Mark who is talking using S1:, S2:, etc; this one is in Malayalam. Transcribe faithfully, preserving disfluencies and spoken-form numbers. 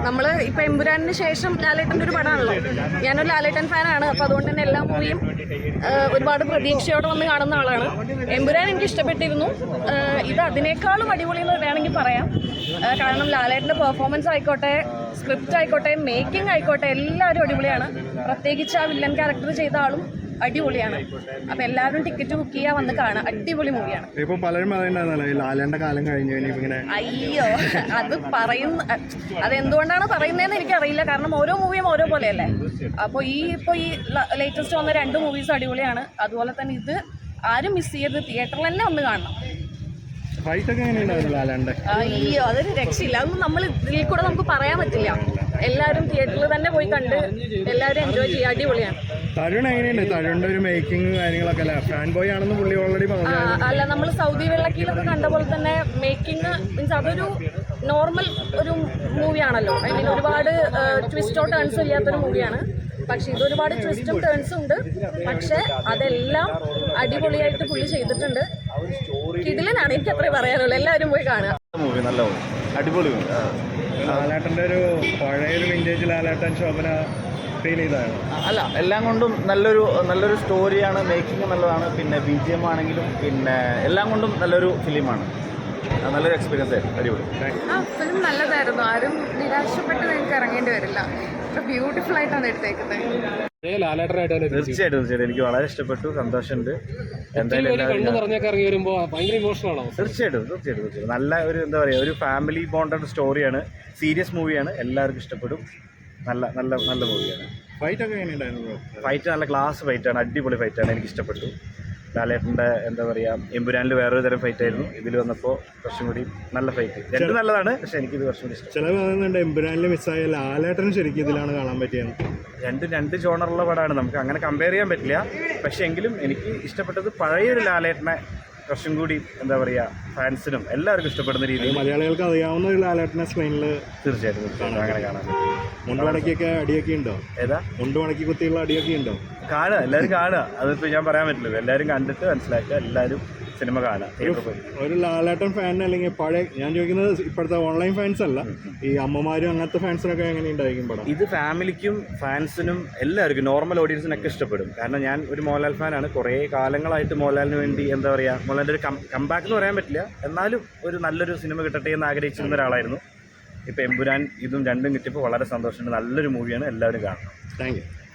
S1: നമ്മൾ ഇപ്പോൾ എമ്പുരാനിന് ശേഷം ലാലേട്ടൻ്റെ ഒരു പടമാണല്ലോ. ഞാനൊരു ലാലേട്ടൻ ഫാനാണ്. അപ്പോൾ അതുകൊണ്ട് തന്നെ എല്ലാ മൂവിയും ഒരുപാട് പ്രതീക്ഷയോടെ വന്ന് കാണുന്ന ആളാണ്. എമ്പുരാൻ എനിക്ക് ഇഷ്ടപ്പെട്ടിരുന്നു. ഇത് അതിനേക്കാളും അടിപൊളി എന്ന് വേണമെങ്കിൽ പറയാം. കാരണം ലാലേട്ടൻ്റെ പെർഫോമൻസ് ആയിക്കോട്ടെ, സ്ക്രിപ്റ്റ് ആയിക്കോട്ടെ, മേക്കിംഗ് ആയിക്കോട്ടെ, എല്ലാവരും അടിപൊളിയാണ്. പ്രത്യേകിച്ച് ആ വില്ലൻ ക്യാരക്ടർ ചെയ്ത ആളും അടിപൊളിയാണ്. അപ്പൊ എല്ലാവരും ടിക്കറ്റ് ബുക്ക് ചെയ്യാൻ വന്ന് കാണാം. അടിപൊളി മൂവിയാണ്.
S2: ഇപ്പൊ പലരും ലാലേട്ടന്റെ കാലം കഴിഞ്ഞു.
S1: അയ്യോ, അത് പറയുന്ന അതെന്തുകൊണ്ടാണ് പറയുന്നതെന്ന് എനിക്കറിയില്ല. കാരണം ഓരോ മൂവിയും ഓരോ പോലെയല്ലേ. അപ്പോൾ ഈ ഇപ്പോൾ ഈ ലേറ്റസ്റ്റ് വന്ന രണ്ട് മൂവീസ് അടിപൊളിയാണ്. അതുപോലെ തന്നെ ഇത് ആരും മിസ് ചെയ്യരുത്. തിയേറ്ററിൽ തന്നെ ഒന്ന് കാണണം. അയ്യോ, അതൊരു രക്ഷയില്ല. അതൊന്നും നമ്മൾ ഇതിൽ കൂടെ നമുക്ക് പറയാൻ പറ്റില്ല. എല്ലാവരും തിയേറ്ററിൽ തന്നെ പോയി കണ്ട് എല്ലാവരും എൻജോയ് ചെയ്യുക. അടിപൊളിയാണ്.
S2: തരുൺ എങ്ങനെയുണ്ട്? തരുണിന്റെ ഒരു മേക്കിംഗ് കാര്യങ്ങളൊക്കെ അല്ലേ? ഫാൻ ബോയ് ആണെന്ന് പുള്ളി ഓൾറെഡി പറഞ്ഞു.
S1: അല്ല, നമ്മൾ സൗദി വെള്ളക്കിലൊക്കെ കണ്ട പോലെ തന്നെ മേക്കിംഗ് മീൻസ് അതൊരു നോർമൽ ഒരു മൂവിയാണല്ലോ. ഐ മീൻ ഒരുപാട് ട്വിസ്റ്റോ ടേൺസോ ഇല്ലാത്തൊരു മൂവിയാണ്. പക്ഷെ ഇതൊരുപാട് ട്വിസ്റ്റും ടേൺസും ഉണ്ട്. പക്ഷെ അതെല്ലാം അടിപൊളിയായിട്ട് പുള്ളി ചെയ്തിട്ടുണ്ട്. കിടിലനാണ്. എനിക്ക് അത്രേ പറയാനുള്ളൂ. എല്ലാവരും പോയി കാണുക.
S3: മൂവി നല്ല മൂവി, അടിപൊളി മൂവി.
S2: ലാലേട്ടൻ്റെ ഒരു പഴയൊരു വിന്റേജ് ലാലേട്ടൻ ശോഭന ഫീൽ ചെയ്തതാണ്.
S3: അല്ല, എല്ലാം കൊണ്ടും നല്ലൊരു നല്ലൊരു സ്റ്റോറിയാണ്. മേക്കിംഗ് നല്ലതാണ്. പിന്നെ ബി ജി എം ആണെങ്കിലും പിന്നെ എല്ലാം കൊണ്ടും നല്ലൊരു ഫിലിമാണ്. നല്ലൊരു എക്സ്പീരിയൻസ് ആയിരുന്നു. അടിപൊളി.
S4: ആ ഫിലിം നല്ലതായിരുന്നു. ആരും നിരാശപ്പെട്ട് നിങ്ങൾക്ക് ഇറങ്ങേണ്ടി വരില്ല. ബ്യൂട്ടിഫുൾ ആയിട്ടാണ് എടുത്തേക്കുന്നത്.
S3: തീർച്ചയായിട്ടും തീർച്ചയായിട്ടും എനിക്ക് വളരെ ഇഷ്ടപ്പെട്ടു. സന്തോഷമുണ്ട്. എന്തായാലും തീർച്ചയായിട്ടും തീർച്ചയായിട്ടും തീർച്ചയായിട്ടും നല്ല ഒരു എന്താ പറയുക, ഒരു ഫാമിലി ബോണ്ടഡ് സ്റ്റോറിയാണ്. സീരിയസ് മൂവിയാണ്. എല്ലാവർക്കും ഇഷ്ടപ്പെടും. നല്ല നല്ല നല്ല മൂവിയാണ്.
S2: ഫൈറ്റ് ഒക്കെ എങ്ങനെയുണ്ടായിരുന്നു?
S3: ഫൈറ്റ് നല്ല ക്ലാസ് ഫൈറ്റാണ്. അടിപൊളി ഫൈറ്റാണ്. എനിക്ക് ഇഷ്ടപ്പെട്ടു. ലാലേട്ടൻ്റെ എന്താ പറയുക, എമ്പുരാനിൽ വേറൊരു തരം ഫൈറ്റ് ആയിരുന്നു. ഇതിൽ വന്നപ്പോൾ കുറച്ചും കൂടി നല്ല ഫൈറ്റ്. രണ്ട് നല്ലതാണ്. പക്ഷേ എനിക്കിത് കുറച്ചും കൂടി ഇഷ്ടം.
S2: ചില പറയുന്നുണ്ട് എമ്പുരാനിൽ മിസ്സായ ലാലേട്ടൻ ശരിക്കും ഇതിലാണ് കാണാൻ പറ്റിയത്.
S3: രണ്ട് രണ്ട് ജോണറുള്ള പടമാണ്. നമുക്ക് അങ്ങനെ കമ്പയർ ചെയ്യാൻ പറ്റില്ല. പക്ഷേ എങ്കിലും എനിക്ക് ഇഷ്ടപ്പെട്ടത് പഴയൊരു ലാലേട്ടനെ കുറച്ചും കൂടി എന്താ പറയുക, ഫാൻസിനും എല്ലാവർക്കും ഇഷ്ടപ്പെടുന്ന രീതിയിൽ
S2: മലയാളികൾക്ക് അറിയാവുന്ന ഒരു ലാലേട്ടനെ സ്ക്രീനിൽ
S3: തീർച്ചയായിട്ടും അങ്ങനെ കാണാൻ പറ്റും.
S2: മുണ്ടുമടക്കിയൊക്കെ അടിയൊക്കെ ഉണ്ടോ?
S3: ഏതാ
S2: മുണ്ടുമടക്കി കുത്തിയുള്ള അടിയൊക്കെ ഉണ്ടോ?
S3: കാണുക, എല്ലാവരും കാണുക. അതിപ്പോൾ ഞാൻ പറയാൻ പറ്റില്ല. എല്ലാവരും കണ്ടിട്ട് മനസ്സിലാക്കുക. എല്ലാവരും സിനിമ കാണുക.
S2: ഒരു ലാലേട്ടൻ ഫാൻ അല്ലെങ്കിൽ പഴയ, ഞാൻ ചോദിക്കുന്നത് ഇപ്പോഴത്തെ ഓൺലൈൻ ഫാൻസ് അല്ല, ഈ അമ്മമാരും അങ്ങനത്തെ ഫാൻസിനൊക്കെ എങ്ങനെ ഉണ്ടായിരിക്കും പടം?
S3: ഇത് ഫാമിലിക്കും ഫാൻസിനും എല്ലാവർക്കും, നോർമൽ ഓഡിയൻസിനൊക്കെ ഇഷ്ടപ്പെടും. കാരണം ഞാൻ ഒരു മോഹൻലാൽ ഫാനാണ്. കുറേ കാലങ്ങളായിട്ട് മോഹൻലാലിന് വേണ്ടി എന്താ പറയുക, മോഹൻലാലിൻ്റെ ഒരു കം കംബാക്ക് എന്ന് പറയാൻ പറ്റില്ല, എന്നാലും ഒരു നല്ലൊരു സിനിമ കിട്ടട്ടെ എന്ന് ആഗ്രഹിച്ചിരുന്ന ഒരാളായിരുന്നു. ഇപ്പോൾ എമ്പുരാൻ ഇതും രണ്ടും കിട്ടിയപ്പോൾ വളരെ സന്തോഷമുണ്ട്. നല്ലൊരു മൂവിയാണ്. എല്ലാവരും കാണണം.
S2: Thank U.